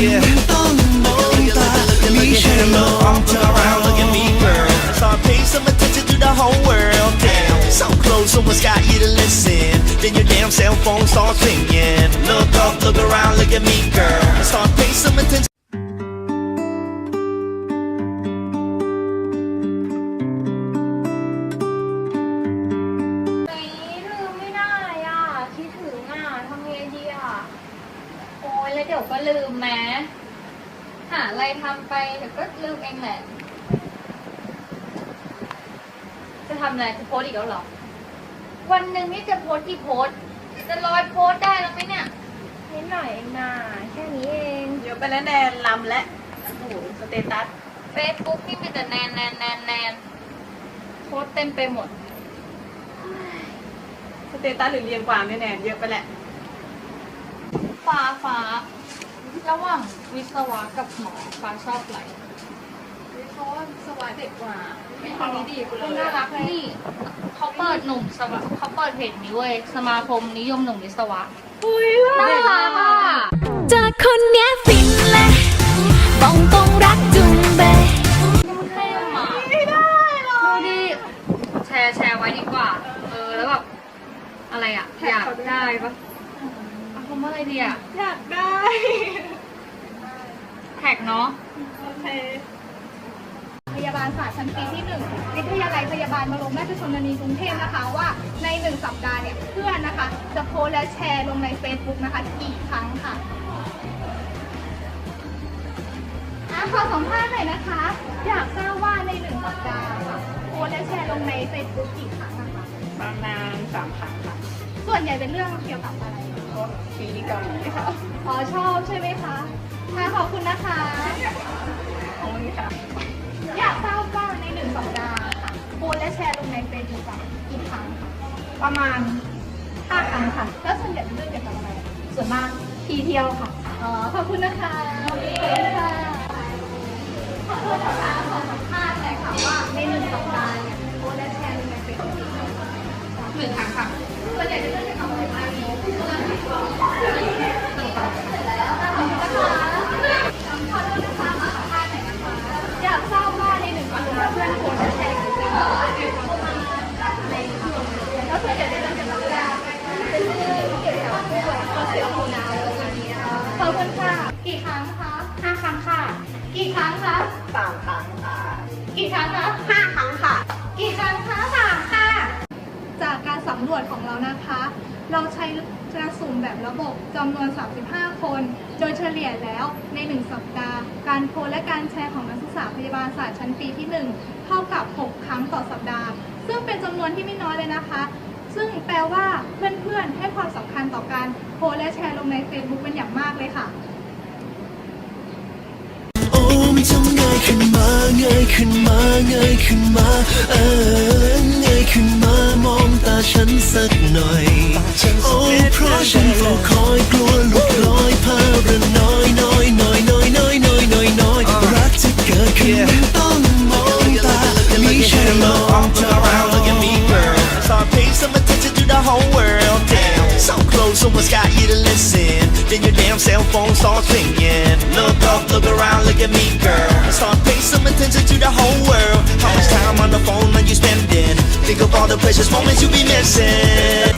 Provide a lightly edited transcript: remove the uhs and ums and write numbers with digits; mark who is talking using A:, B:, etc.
A: ต้องมองตาไม่ใช่มองเธอ
B: Look at me, girl. Start paying some attention to the whole world. Damn, so close, someone's got you to listen. Then your damn cell phone starts ringing. Look up, look around, look at me, girl. Start paying some attention.
C: ลืมไม่ได้อ่ะคิดถึงอ่ะทำไงดีอ่ะโอ้ยแล้วเดี๋ยวก็ลืมแม้หาอะไรทำไปเดี๋ยวก็ลืมเองแหละจะทำอะไรจะโพสอีกแล้วเหรอวันหนึ่งนี่จะโพสกี่โพสจะ100โพสได้แล้วไหมเนี่ยนิดหน่อยเองนะแค่นี้เอง
D: เดี๋ยวไปแล้วแนนลำและโอ้โหสเตตัส
C: เฟซบุ๊กนี่มีแต่แนนโพสเต็มไปหมด
D: สเตตัสหรือเรียงความเนี่ยแนนเยอะไปแหละ
C: ฟ้าระหว่างวิศวะกับหมอฟ้าชอบอะไร
D: เพราะว่าสวายเด็กกว่าไม่ทำนี้ดีกูเลย
C: น่ารักนี่เขาเปิดหนุ่มสวะเขาเปิดเพจนี้เว้ยสมาคมนิยมหนุ่มวิศวะ
D: อุ้ยน่ารักอ่ะ
E: จากคนเนี้ยฟินเลยบอกตรงรักจุงเบย
C: มันเท่หมาไม่ได้หรอดูดิแชร์ไว้ดีกว่าแล้วแบบอะไรอ่ะอยากได้ปะเอาคำว่าอะไรดีอ่ะ
D: อยากได้
C: แท็กเนาะ
D: โอเค
F: พยาบาลศาสตร์ชั้นปีที่ 1 วิทยาลัยพยาบาลบรมราชชนนีกรุงเทพนะคะว่าใน1 สัปดาห์เนี่ยเพื่อนนะคะจะโพสต์และแชร์ลงใน Facebook นะคะกี่ครั้งค่ะขอสัมภาษณ์หน่อยนะคะอยากทราบว่าใน1 สัปดาห์ค่ะโพสต์และแชร์ลงใน Facebook กี่ครั้งนะคะ
D: ประมาณ3 ครั้งค่ะ
F: ส่วนใหญ่เป็นเรื่องเกี่ยวกับอะไร
D: ซีรีส์เกาหลีค่ะ
F: ชอบใช่ไหมคะขอบคุณนะคะ
D: ขอบคุณค่ะ
F: อยากทราบว่าใน1 สัปดาห์ค่ะโพสต์และแชร์ลงในเฟซบุ๊กกี่ครั้งคะ
D: ประมาณ
F: 5 ครั้งค่ะแล้วส่วนใหญ่เป็นเรื่องเกี่ยวกับอะไรส่วนมากทีเที่ยวค่ะขอบคุณนะคะขอบคุณค่ะขอโทษนะคะขอสัมภาษณ์หน่อยค่ะว่าใน1 สัปดาห์เนี่ยโพสต์และแชร์ลงในเฟซบุ๊กกี่ครั้ง
D: 1 ครั้งค่ะ
F: ส่วนใหญ่เป็นเรื่องเกี่ยวกับอะไรอยากทราบว่าใน1 สัปดาห์เพื่อนโพสต์และแชร์กี่ครั้งแล้วส่วนใหญ่เป็นเรื่องเกี่ยวกับอะไรเป็นเรื่องเกี่ยวกับผู้ป่วยข้อเสียของน้ำอะไรอย่างเงี้ยขอบคุณค่ะกี่ครั้งคะ5 ครั้งค่ะกี่ครั้งคะ
D: 3 ครั้งค่ะ
F: กี่ครั้งคะ
D: 5 ครั้งค่ะ
F: กี่ครั้งคะ3 ค่ะจากการสำรวจของเรานะคะ เราใช้กระสุ่มแบบระบบจำนวน35 คนโดยเฉลี่ยแล้วใน1 สัปดาห์การโพสต์และการแชร์ของนักศึกษาพยาบาลศาสตร์ชั้นปีที่ 1เท่ากับ6 ครั้งต่อสัปดาห์ซึ่งเป็นจำนวนที่ไม่น้อยเลยนะคะซึ่งแปลว่าเพื่อนๆให้ความสำคัญต่อการโพสต์และแชร์ลงใน Facebook เป็นอย่างมากเลยค่ะ
A: โอ้ไม่ต้องเงยขึ้นมาเงยขึ้นมาเงยขึ้นมาเงยขึ้นมามองตาฉันสักหน่อยโอ้เพราะฉันเฝ้าคอยกลัวหลุดลอยภาระน้อยรักจะเกิดขึ้นต้องมองตาไม่ใช่มองเธอ
B: Look at me, girl. Start paying some attention to the whole world. Damn, so close, someone's got you to listen. Then your damn cell phone starts ringing. Look up, look around, look at me, girl. Start paying some attention to the whole world. How much time on the phone are you spending? Think of all the precious moments you be missing.